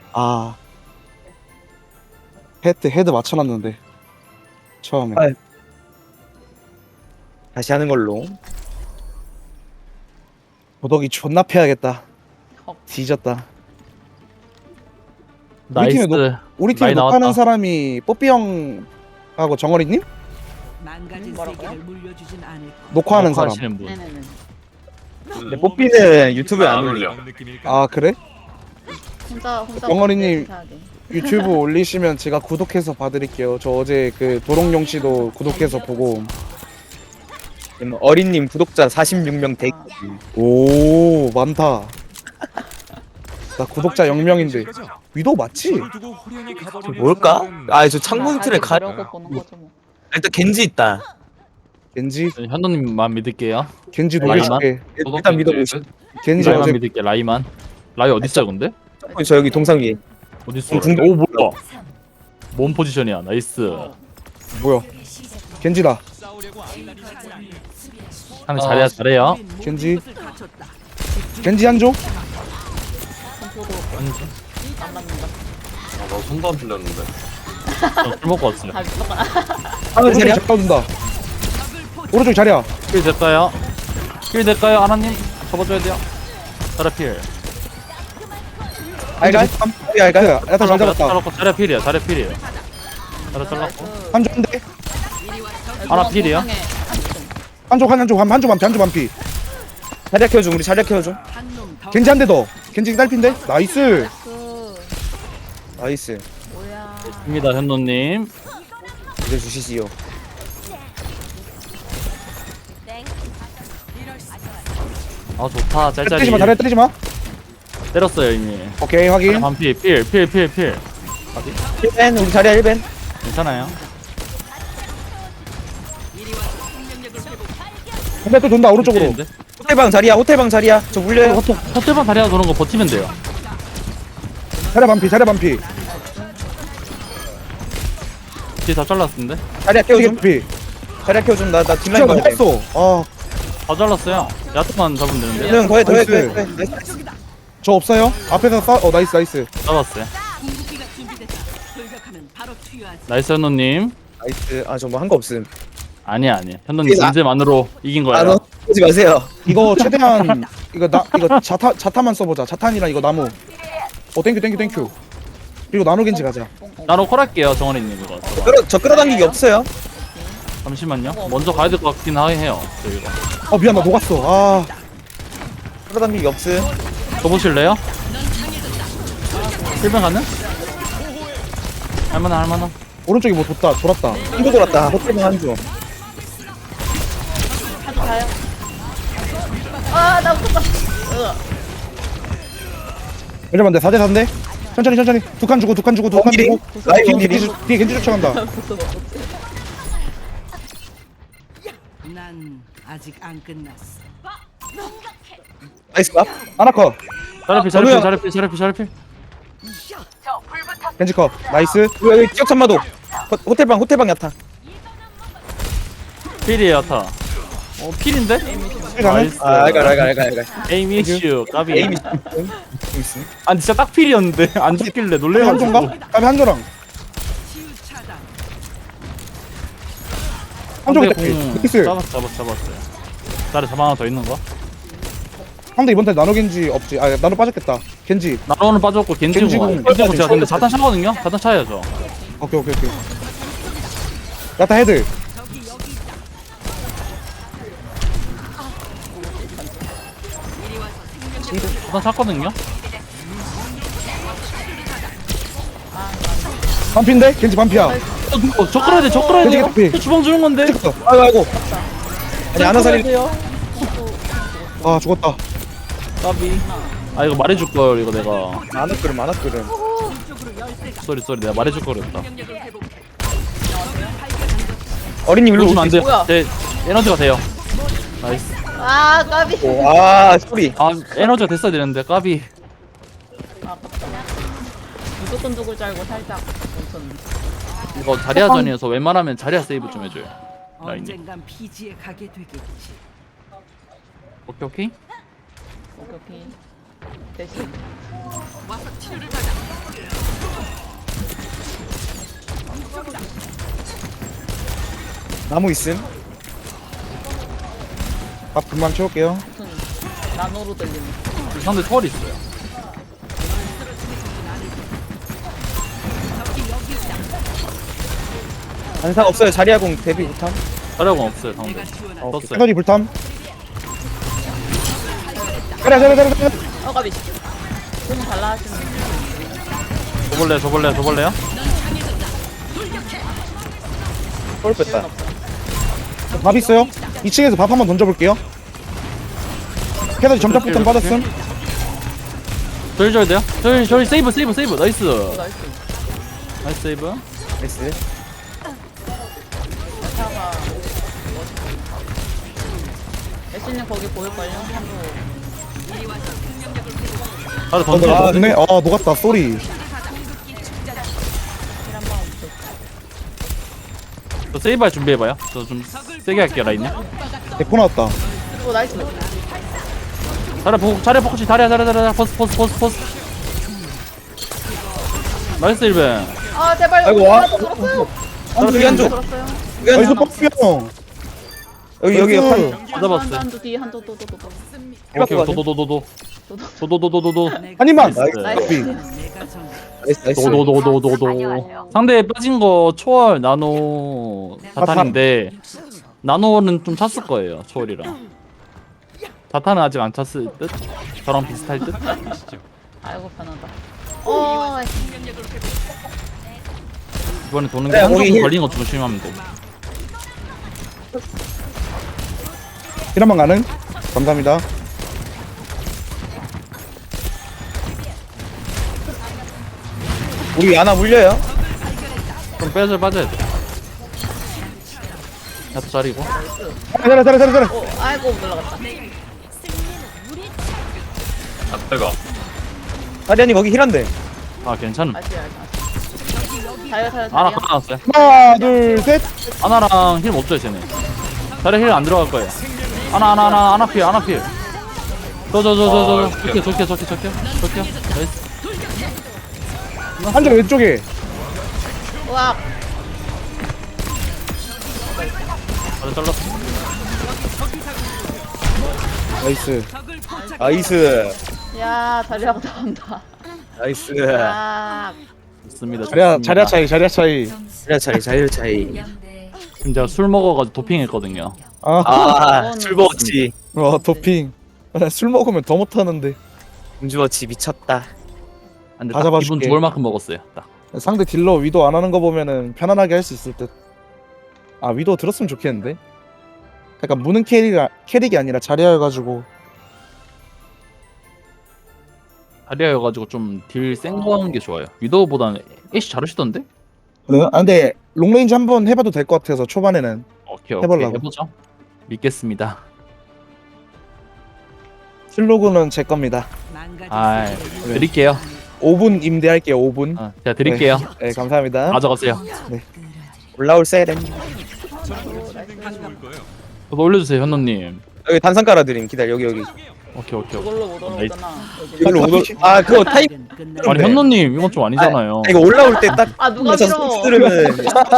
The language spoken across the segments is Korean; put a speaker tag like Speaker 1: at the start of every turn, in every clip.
Speaker 1: 아 헤드 맞춰놨는데 처음에.
Speaker 2: 아, 다시 하는 걸로.
Speaker 1: 도덕이 존나 패야겠다.
Speaker 3: 헉.
Speaker 1: 뒤졌다.
Speaker 4: 나이스.
Speaker 1: 우리 팀에
Speaker 4: 많이
Speaker 1: 녹화하는
Speaker 4: 나왔다.
Speaker 1: 사람이 뽀삐 형하고 정어리님?
Speaker 5: 망가진
Speaker 3: 뭐라고요?
Speaker 5: 세계를 물려주진 않을 거야.
Speaker 1: 녹화하는 사람.
Speaker 4: 녹화하시는 분.
Speaker 3: 네네네.
Speaker 2: 근데 뽀삐는 유튜브에 안 올려.
Speaker 1: 아 그래?
Speaker 3: 혼자
Speaker 1: 영어리님.
Speaker 3: 해야 돼.
Speaker 1: 유튜브 올리시면 제가 구독해서 봐드릴게요. 저 어제 그 도롱뇽 씨도 구독해서 보고.
Speaker 2: 어린님 구독자 46명 대.
Speaker 1: 오 많다. 나 구독자 0명인데 위도 맞지?
Speaker 2: 뭘까? 아, 저 창문 틀에 가.
Speaker 3: 보려고 보는 거죠 뭐.
Speaker 2: 일단 겐지 있다.
Speaker 1: 겐지?
Speaker 4: 현도님만 믿을게요.
Speaker 1: 겐지
Speaker 4: 라이만?
Speaker 1: 녹여줄게.
Speaker 2: 일단 믿어보시.
Speaker 1: 겐지
Speaker 4: 라이만
Speaker 1: 어제
Speaker 4: 믿을게. 라이만. 라이 어디 있어요, 근데?
Speaker 2: 저 여기 동상 위에.
Speaker 4: 어디 있어?
Speaker 2: 중-
Speaker 4: 오 뭐야? 뭔 포지션이야? 나이스.
Speaker 1: 뭐야? 겐지다.
Speaker 4: 상대 잘해야 잘해요.
Speaker 1: 겐지. 겐지 한조?
Speaker 3: 안 맞는다.
Speaker 6: 나 손도 안 풀렸는데.
Speaker 4: 술 먹고 왔어요.
Speaker 3: 다 미쳤다.
Speaker 2: 하면
Speaker 1: 오른쪽
Speaker 2: 자리야?
Speaker 1: 잘 떠준다. 오른쪽 자리야.
Speaker 4: 킬 될까요? 킬 될까요, 하나님? 접어줘야 돼요. 자라 필.
Speaker 2: 알갈? 알갈?
Speaker 1: 야타 잘 잡았다.
Speaker 4: 잘랐고 자라 필이야. 자라 필이에요. 자라 잘랐고.
Speaker 1: 한조인데?
Speaker 4: 하나 필이야.
Speaker 1: 한조 한조 반피 한조 반피.
Speaker 2: 자리야 키워줘. 우리 자리야 키워줘.
Speaker 1: 겐지 한 대 더. 겐지 딸핀데? 나이스.
Speaker 2: 나이스.
Speaker 3: 뭐야.
Speaker 4: 입니다, 현도님.
Speaker 2: 믿어주시지요.
Speaker 4: 아 좋다. 짤짤이.
Speaker 1: 때리지 마. 다리 때리지 마.
Speaker 4: 때렸어요 이미.
Speaker 1: 오케이 확인.
Speaker 4: 반피 필.
Speaker 2: 1벤 우리 자리야 1벤.
Speaker 4: 괜찮아요.
Speaker 1: 근데 또 돈다 오른쪽으로.
Speaker 4: 필인데?
Speaker 2: 호텔방 자리야. 저 물려요.
Speaker 4: 호텔방 다리가 도는 거 버티면 돼요.
Speaker 1: 자리 반피 자리 반피.
Speaker 4: 뒤에 다 잘랐는데?
Speaker 2: 자리야
Speaker 1: 겐지
Speaker 2: 키워줘.
Speaker 1: 피.
Speaker 2: 자리야 키워줘. 나 뒷라인
Speaker 1: 진짜
Speaker 2: 봐야 돼.
Speaker 1: 못했어. 아,
Speaker 4: 다 잘랐어요. 야트만 잡으면 되는데.
Speaker 2: 형 더해.
Speaker 1: 나이스.
Speaker 2: 나이스.
Speaker 1: 저 없어요? 앞에서 나이스 나이스.
Speaker 4: 잡았어요.
Speaker 5: 궁극기가 준비됐다. 돌격하면 바로 투여하지.
Speaker 4: 나이스 현노님.
Speaker 2: 나이스. 아, 저 뭐 한 거 없음.
Speaker 4: 아니야. 현노님
Speaker 2: 나-
Speaker 4: 존재만으로 이긴
Speaker 2: 아,
Speaker 4: 거예요.
Speaker 2: 너 하지 마세요.
Speaker 1: 이거 최대한 이거 자타만 써보자. 자탄이랑 이거 나무. 땡큐. 그리고 나노 겐지 가자.
Speaker 4: 나로 콜할게요 정원이님 이거.
Speaker 2: 저 끌어당기기 없어요.
Speaker 4: 잠시만요. 먼저 가야 될 것 같긴 해요. 저희가.
Speaker 1: 미안 나 녹았어. 아,
Speaker 2: 끌어당기기 없음.
Speaker 4: 줘보실래요? 실명 가능? 할만한.
Speaker 1: 오른쪽이 뭐 돌았다.
Speaker 2: 한조 돌았다. 호텔방 한조.
Speaker 3: 하도 가요. 아, 나 웃었다.
Speaker 1: 왜냐면 내 4대 4인데. 천천히. 두 칸 주고.
Speaker 2: 원길이? 라이 원길이?
Speaker 1: 뒤에 겐지 쫓아간다.
Speaker 5: 난 아직 안 끝났어.
Speaker 2: 나이스 밥.
Speaker 1: 아나커.
Speaker 4: 자르필.
Speaker 1: 겐지 컵. 나이스.
Speaker 2: 여기 기억 참마도. 호텔방 야타.
Speaker 4: 필이에요 타. 필인데?
Speaker 1: 가는?
Speaker 4: 나이스.
Speaker 2: 아, 알갈.
Speaker 4: 에임 이슈 까비.
Speaker 2: 에임이
Speaker 4: 아니 진짜 딱 필이었는데 안 죽길래
Speaker 1: 한
Speaker 4: 놀래가지고.
Speaker 1: 조인가? 다음에 한조랑.
Speaker 5: 치유 차단.
Speaker 1: 한조기 딸피. 나이스.
Speaker 4: 잡았어요. 자리 잡아 하나 더 있는 거?
Speaker 1: 상대 이번 달 나노 겐지 없지. 아 나노 빠졌겠다. 겐지.
Speaker 4: 나로는 빠졌고 겐지고
Speaker 1: 겐지궁.
Speaker 4: 제가 근데 자탄 차거든요? 자탄 차야죠.
Speaker 1: 오케이. 야타 헤드.
Speaker 4: 자탄 찼거든요?
Speaker 1: 반피인데? 겐지 반피야.
Speaker 4: 저 끌어야 돼
Speaker 1: 겐지 개피.
Speaker 4: 주방 주는 건데?
Speaker 2: 아이고. 아니 안아 살리.
Speaker 1: 아 죽었다.
Speaker 4: 까비. 아 이거 말해줄 걸 이거 내가.
Speaker 2: 안아 끓음.
Speaker 4: 쏘리 내가 말해줄 걸 그랬다.
Speaker 2: 어린님 일로
Speaker 4: 이러시면 안 돼요.
Speaker 3: 뭐야?
Speaker 4: 제 에너지가 돼요. 나이스.
Speaker 3: 아, 까비.
Speaker 2: 아, 소리.
Speaker 4: 아 에너지가 됐어야 되는데 까비.
Speaker 3: 아깝다. 무조건 죽을 줄 알고 살짝 멈췄는데.
Speaker 4: 이거 자리아전이어서 웬만하면 자리아 세이브 좀 해줘요. 라인님.
Speaker 5: 언젠간 피지에 가게 되겠지.
Speaker 4: 오케이.
Speaker 3: 오케이. 대신.
Speaker 5: 와서 치료를 받아.
Speaker 1: 나무 있음. 밥 금방 채울게요.
Speaker 3: 무슨 나노로 들리는.
Speaker 4: 상대 털이 있어요.
Speaker 2: 반사 없어요. 자리아공 데뷔 못함.
Speaker 4: 자력은 없어요 상대.
Speaker 5: 내가 지원한
Speaker 4: 떴어요.
Speaker 1: 에너지 불탐. 자리야.
Speaker 3: 까비. 좀 달라 하시는.
Speaker 4: 줘볼래요?
Speaker 2: 볼 뺐다.
Speaker 1: 밥 있어요? 2층에서 밥 한번 던져볼게요. 에너지 점착 불탐 빠졌음.
Speaker 4: 저희 줘야 돼요? 저희 세이브 나이스.
Speaker 3: 나이스.
Speaker 4: 나이스 세이브.
Speaker 2: 나이스.
Speaker 3: 차가. 애쉬님 거기 보일걸요?
Speaker 4: 바로 던져.
Speaker 1: 아, 네. 녹았다. 쏘리.
Speaker 4: 저 세이브할 준비해봐요. 저 좀 세게 할게요 라인님.
Speaker 1: 데코 나왔다.
Speaker 3: 오 나이스.
Speaker 4: 자리 포커치 다리야 포스. 나이스 1벤.
Speaker 3: 아 제발.
Speaker 2: 아이고, 와.
Speaker 3: 들었어요.
Speaker 2: 여기 한 쪽.
Speaker 1: 나이스 뻑뿅.
Speaker 2: 여기
Speaker 1: 나이스.
Speaker 4: 받아봤어요.
Speaker 3: 한두 뒤 한두 또.
Speaker 4: 오케이 도도도도도.
Speaker 1: 한 입만.
Speaker 4: 나이스.
Speaker 1: 나이스.
Speaker 5: 내가 정
Speaker 2: 나이스.
Speaker 4: 도도도도도도. 상대 빠진 거 초월 나노 자탄인데 나노는 좀 찼을 거예요 초월이랑. 자탄은 아직 안 찼을 듯. 저랑 비슷할 듯.
Speaker 3: 아이고 편하다. 어.
Speaker 4: 이번에 도는
Speaker 2: 네,
Speaker 4: 게 한쪽
Speaker 2: 거기 힐.
Speaker 4: 걸린 거 조심하면 돼.
Speaker 1: 이란만 가능? 감사합니다.
Speaker 2: 우리 야나 물려요.
Speaker 4: 좀 빠져야 돼. 야또 자리고.
Speaker 1: 잘해.
Speaker 3: 오 아이고 올라갔다.
Speaker 6: 아 뜨거.
Speaker 2: 자리아님 거기 힐한데.
Speaker 4: 아 괜찮음.
Speaker 3: 다시. 자요.
Speaker 4: 아나 가놨어요.
Speaker 1: 하나, 둘, 셋.
Speaker 4: 아나랑 힐 못 줘요 쟤네. 자리 힐 안 들어갈 거예요. 아나 필. 저. 좋게. 나이스.
Speaker 1: 한쪽 왼쪽에.
Speaker 3: 우와.
Speaker 4: 바로 잘랐어.
Speaker 1: 나이스.
Speaker 2: 나이스.
Speaker 3: 야 자리하고 나온다.
Speaker 2: 나이스.
Speaker 3: 아.
Speaker 4: 좋습니다.
Speaker 1: 자리야 차이.
Speaker 2: 자리 차이.
Speaker 4: 지금 제가 술 먹어가지고 도핑했거든요.
Speaker 2: 술 먹었지.
Speaker 1: 도핑. 술 먹으면 더 못하는데.
Speaker 2: 음주워치 미쳤다.
Speaker 4: 근데
Speaker 1: 다
Speaker 4: 딱
Speaker 1: 잡아줄게.
Speaker 4: 기분 좋을 만큼 먹었어요. 딱.
Speaker 1: 상대 딜러 위도 안 하는 거 보면은 편안하게 할 수 있을 듯. 아 위도 들었으면 좋겠는데. 약간 무는 캐릭이 아니라 자리야여가지고.
Speaker 4: 다리아여가지고 좀 딜 센 거 하는 게 좋아요. 위도우보다는 애쉬 잘하시던데?
Speaker 1: 네? 아 근데 롱레인지 한번 해봐도 될 것 같아서 초반에는.
Speaker 4: 오케이
Speaker 1: 해보려고.
Speaker 4: 해보죠. 믿겠습니다.
Speaker 1: 슬로그는 제 겁니다.
Speaker 5: 망가진
Speaker 4: 아
Speaker 5: 세계를
Speaker 4: 드릴게요.
Speaker 1: 5분 임대할게요. 5분.
Speaker 4: 제가 드릴게요.
Speaker 1: 네 감사합니다.
Speaker 4: 가져가세요.
Speaker 2: 올라올 세렘.
Speaker 4: 저도 올려주세요 현노님.
Speaker 2: 여기 단상 깔아드림. 기다려. 여기.
Speaker 4: 오케이.
Speaker 3: 그걸로 못 올라오잖아.
Speaker 2: 이걸로 오늘 그거 타임.
Speaker 5: 끝나
Speaker 4: 아니
Speaker 2: 네.
Speaker 4: 현노님 이건 좀 아니잖아요.
Speaker 2: 이거 올라올 때 딱.
Speaker 3: 아 누가 밀어?
Speaker 2: 들으면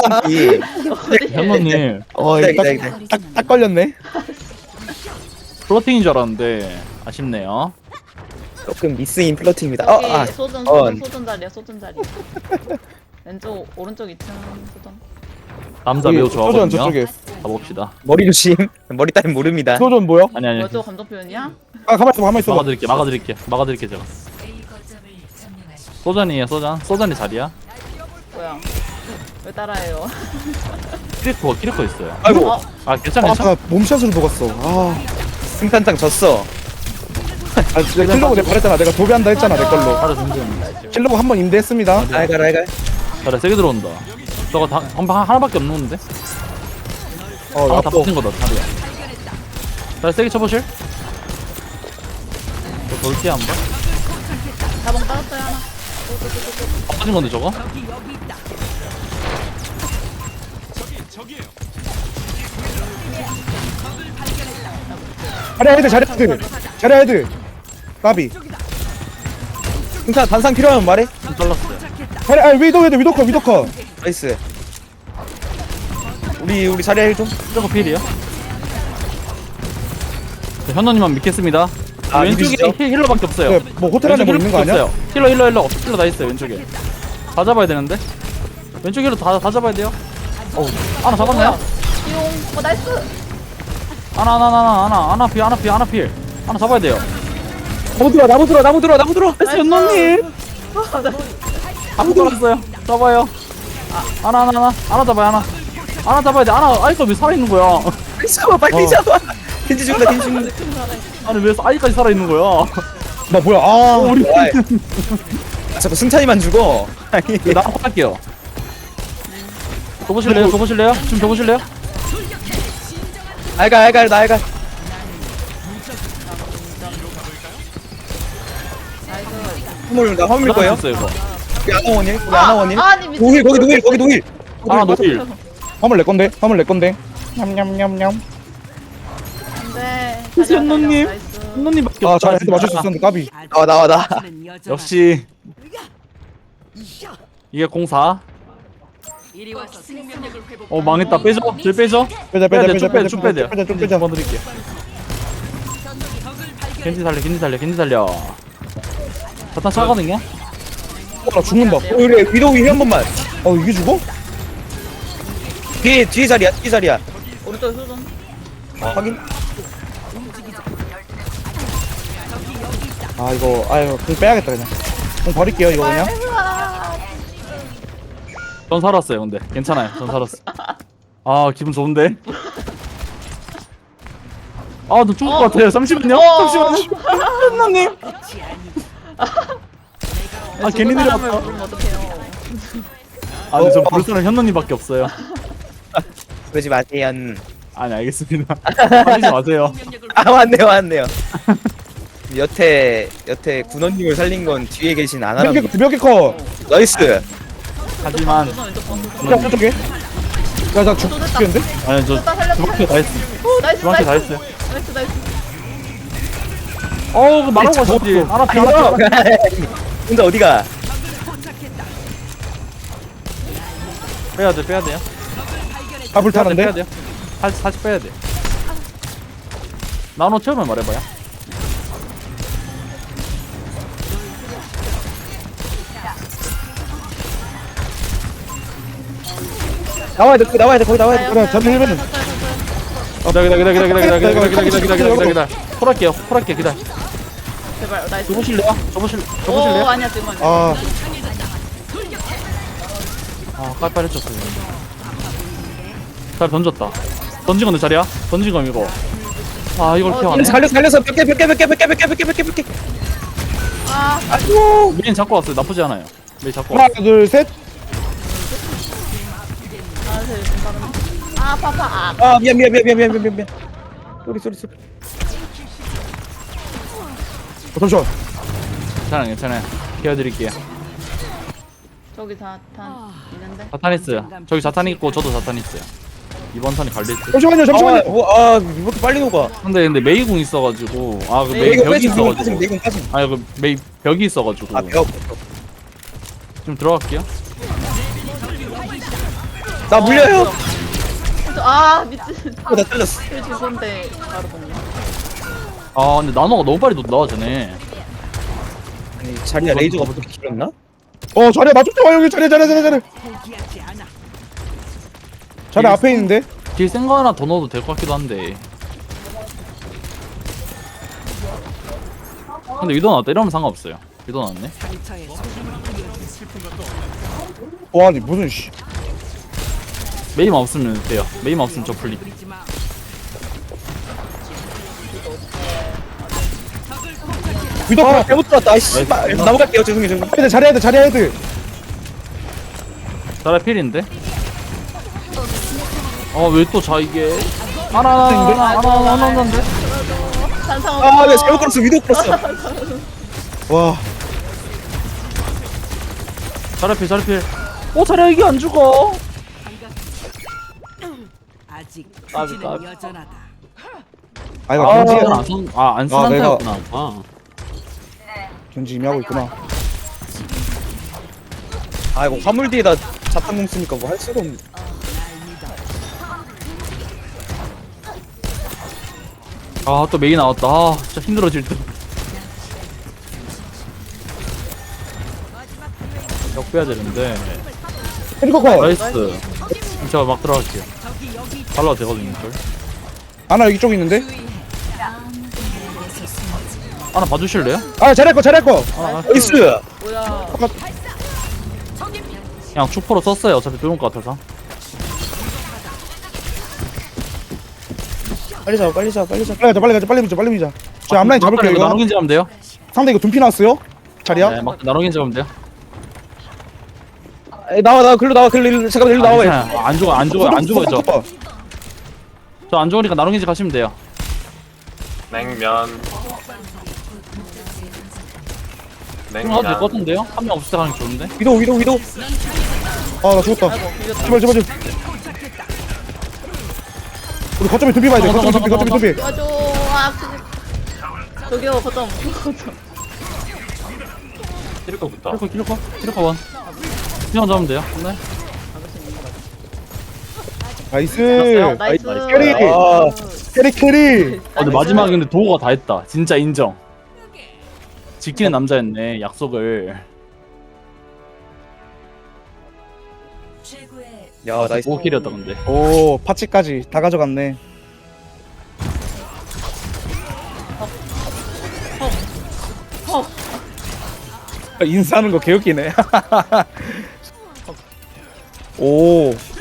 Speaker 4: 현노님
Speaker 1: 딱 걸렸네.
Speaker 4: 플러팅인 줄 알았는데 아쉽네요.
Speaker 2: 조금 미스인 플러팅입니다.
Speaker 3: 여기 소전
Speaker 2: 어.
Speaker 3: 자리야. 왼쪽 오른쪽 2층 소전.
Speaker 4: 남자 매우
Speaker 1: 소전
Speaker 4: 좋아하거든요.
Speaker 1: 저쪽에.
Speaker 4: 가봅시다.
Speaker 2: 머리 조심. 머리 따윈 모릅니다.
Speaker 1: 소전 뭐야?
Speaker 4: 아니
Speaker 3: 뭐야 저 감정 표현이야?
Speaker 1: 아 가만 있어.
Speaker 4: 막아드릴게 제가. 소전이에요 소전이 자리야.
Speaker 3: 뭐야? 왜 따라해요?
Speaker 4: 키리코 있어요.
Speaker 2: 아이고.
Speaker 4: 아 괜찮아.
Speaker 1: 아까 몸샷으로 먹었어.
Speaker 2: 승탄장 졌어.
Speaker 1: 진짜 킬러고 내가 말했잖아. 내가 도배한다 했잖아 내 걸로.
Speaker 4: 바로 등등.
Speaker 1: 킬러고 한번 임대했습니다.
Speaker 2: 알갈.
Speaker 4: 자리 세게 들어온다. 저거 하나밖에 없는데? 다
Speaker 1: 나빠.
Speaker 4: 붙은 거다 자리야. 자리 세게 쳐보실? 저 돌게 한번.
Speaker 3: 자봉 따랐어요 하나.
Speaker 4: 빠진 건데 저거?
Speaker 1: 자리야 헤드. 까비.
Speaker 2: 승탄 단상 필요하면 말해.
Speaker 4: 좀 잘랐어요.
Speaker 1: 자리야 위도 컷.
Speaker 2: 나이스. 우리 자리야 힐 좀.
Speaker 4: 저거 필이요. 자, 현노님만 믿겠습니다.
Speaker 2: 아,
Speaker 4: 왼쪽에
Speaker 2: 믿으시죠?
Speaker 4: 힐러밖에 없어요.
Speaker 1: 네, 뭐 호텔 안에 뭐 있는 거 아니야?
Speaker 4: 없어요. 힐러 다 있어요 왼쪽에. 다 잡아야 되는데. 왼쪽 힐러 다 잡아야 돼요. 하나 잡았나요?
Speaker 3: 띠용. 나이스.
Speaker 4: 하나 필. 하나 잡아야 돼요.
Speaker 2: 나무 들어.
Speaker 4: 나이스 현노님. 아무 들었어요. 잡아요. 하나 잡아요. 하나 잡아야 돼. 아이가 왜 살아 있는 거야?
Speaker 2: 잡아 빨리 잡아. 겐지 죽는다.
Speaker 4: 아니 왜 아이까지 살아 있는 거야?
Speaker 1: 나 뭐야? 아,
Speaker 4: 우리
Speaker 2: 자꾸 승찬이만 죽어.
Speaker 4: 나 할게요. 줘보실래요? 지금 줘보실래요?
Speaker 2: 알갈. 화물 거예요?
Speaker 4: 있어요 이거.
Speaker 2: 우리 아나원일.
Speaker 3: 아니 미친.
Speaker 2: 노힐 거기 노힐.
Speaker 4: 하나 노틸.
Speaker 1: 화물 내 건데. 냠냠냠냠.
Speaker 3: 안돼.
Speaker 4: 현노님. 현노님밖에
Speaker 1: 아,
Speaker 4: 없다.
Speaker 1: 잘 헤드 맞출 수 있었는데 까비.
Speaker 2: 나와.
Speaker 4: 역시 이게 04.
Speaker 5: 이리 와서 생명력을 회복.
Speaker 4: 망했다. 빼죠. 들 빼죠.
Speaker 1: 빼자.
Speaker 4: 쭉 빼야 돼요.
Speaker 1: 쭉 빼자.
Speaker 4: 한번 드릴게요. 겐지 살려. 자탄 차거든요.
Speaker 1: 나 죽는다.
Speaker 2: 우리 위도우 힐한 번만.
Speaker 1: 이게 죽어?
Speaker 2: 뒤에 자리야.
Speaker 3: 오른쪽 소좀.
Speaker 2: 확인.
Speaker 1: 이거 그럼 빼야겠다 그냥. 그럼 버릴게요 이거 그냥.
Speaker 4: 전 살았어요. 근데 괜찮아요. 전 살았어. 아 기분 좋은데. 너 죽을 것 같아요. 잠시만요. 현노님. 괜히 내려왔다.
Speaker 3: 부르면 어떡해요.
Speaker 4: 근데 전 부를 사람 현노님밖에 없어요.
Speaker 2: 그러지 마세요.
Speaker 4: 아니 알겠습니다. 하지 마세요.
Speaker 2: 왔네요. 여태 군원님을 살린 건 뒤에 계신 아나람.
Speaker 1: 몇 개 커.
Speaker 2: 나이스.
Speaker 4: 하지만
Speaker 3: 소좀 왼쪽 번.
Speaker 1: 야, 어떻게? 야, 나 죽겠는데?
Speaker 4: 아니 저
Speaker 3: 됐다 살렸다.
Speaker 4: 두바퀴 다 했어.
Speaker 3: 나이스.
Speaker 4: 두바퀴 다 했어요.
Speaker 3: 나이스.
Speaker 4: 그 말하고 가시지. 하나 피.
Speaker 2: 혼자 어디가?
Speaker 4: 빼야 돼요.
Speaker 1: 다 불타는데?
Speaker 4: 빼야 돼요. 사실 빼야 돼. 나노 채우면 말해봐요.
Speaker 2: 나와야 돼. 거기 나와야 돼.
Speaker 1: 그래, 저는 힐맨은.
Speaker 4: 기다려. 콜할게요. 기다려.
Speaker 3: 제발 나이스.
Speaker 4: 줘보실래요?
Speaker 3: 오
Speaker 4: 줘보실래요?
Speaker 3: 아니야 지금 아니야.
Speaker 4: 빨리 했었어요. 잘 던졌다. 던진 건데 자리야? 던진 건 이거. 이걸 피하네.
Speaker 2: 살려서 몇 개.
Speaker 3: 아
Speaker 4: 메인 잡고 왔어요. 나쁘지 않아요. 메인 잡고
Speaker 1: 하나,
Speaker 4: 왔어요.
Speaker 1: 둘, 셋.
Speaker 3: 아파.
Speaker 2: 미안. 쏘리.
Speaker 1: 잠시만.
Speaker 4: 괜찮아요. 케어드릴게요.
Speaker 3: 저기 자탄 있는데.
Speaker 4: 자탄 있어요. 저기 자탄 있고 저도 자탄 있어요. 이번 턴이 갈릴지.
Speaker 1: 잠시만요.
Speaker 2: 이렇게 빨리 녹아.
Speaker 4: 근데 메이궁 있어가지고 그 메이
Speaker 2: 이거
Speaker 4: 벽이
Speaker 2: 빠짐.
Speaker 4: 있어가지고
Speaker 2: 빠짐.
Speaker 4: 그 메이 벽이 있어가지고
Speaker 2: 벽.
Speaker 4: 좀 들어갈게요.
Speaker 2: 나 물려요.
Speaker 3: 아 미친.
Speaker 2: 나 잘렸어.
Speaker 3: 왜 죽은데 바로 먹냐.
Speaker 4: 근데 나노가 너무 빨리 나와 전에.
Speaker 2: 아니 자리야 레이저가 어떻게 길었나?
Speaker 1: 자리야, 나 좀 와, 여기 자리야.
Speaker 5: 포기하지 않아.
Speaker 1: 자리 앞에 있는데?
Speaker 4: 딜 센 거 하나 더 넣어도 될 것 같기도 한데. 근데 위도 나왔다. 이러면 상관없어요. 위도 나왔네.
Speaker 5: 상처에 소금을 뿌려준 슬픈 것도
Speaker 1: 와, 아니, 무슨, 씨.
Speaker 4: 메이만 없으면 돼요. 메이만 없으면 저 풀리.
Speaker 5: 뿌리지 마.
Speaker 1: 위도
Speaker 2: 잘못 들었다. 씨발. 넘어갈게요. 죄송해요.
Speaker 1: 자리야 헤드.
Speaker 4: 자라 필인데? 왜 또 이게 하나인데?
Speaker 3: 산상.
Speaker 2: 네, 잘못 걸었어. 위도 걸었어.
Speaker 1: 와,
Speaker 4: 자라 필. 자라 이게 안 죽어.
Speaker 5: 아직
Speaker 4: 까비.
Speaker 5: 부지는 여전하다.
Speaker 1: 이거 견지야.
Speaker 4: 안 쓰는
Speaker 1: 내가-
Speaker 4: 타였구나.
Speaker 1: 견지 이미 하고 있구나.
Speaker 2: 이거 화물 뒤에다 자탄공 쓰니까 뭐 할 수가 없네.
Speaker 4: 아 또 메이 나왔다. 아 진짜 힘들어질 듯. 역 빼야 되는데.
Speaker 1: 캐리커 컷.
Speaker 4: 나이스. 제가 막 들어갈게요. 발라도 되거든요 이걸.
Speaker 1: 아나 여기 쪽에 있는데.
Speaker 4: 하나 봐주실래요?
Speaker 1: 아 잘할 거 잘할 거.
Speaker 2: 나이스.
Speaker 3: 뭐야.
Speaker 4: 그냥 축포로 썼어요. 어차피 뚫을 것 같아서.
Speaker 2: 빨리 잡아 빨리 잡아 빨리 잡아.
Speaker 1: 빨리 가자 빨리 밀자. 저 앞라인 잡을게요 이거.
Speaker 4: 나눠긴 잡으면 돼요.
Speaker 1: 상대 이거 둔피 나왔어요. 자리야.
Speaker 4: 네, 막 나눠긴 잡으면 돼요.
Speaker 2: 나와 글로 나와 글로 잠깐만 일로 나와.
Speaker 4: 괜찮아요. 안 죽어 안 죽어죠. 저 안 죽으니까 나눠긴 가시면 돼요.
Speaker 6: 냉면.
Speaker 4: 그럼 해도 될 것 같은데요? 한 명 없을 때 가는 게 좋은데?
Speaker 2: 위도.
Speaker 1: 아나 죽었다. 제발. 우리 거점에 둔피 봐야 돼. 거점에 둔피.
Speaker 3: 도와줘. 아, 저기요, 거점.
Speaker 6: 킬거부터.
Speaker 4: 킬러커 원. 그냥 잡으면 돼요. 네.
Speaker 1: 나이스.
Speaker 3: 나이스.
Speaker 1: 캐리. 캐리.
Speaker 4: 근데 마지막에 근데 도우가 다 했다. 진짜 인정. 지키는 남자였네. 약속을.
Speaker 2: 야 나이스.
Speaker 4: 도우킬이었다 근데.
Speaker 1: 오 파치까지 다 가져갔네. 인사하는 거 개웃기네. 오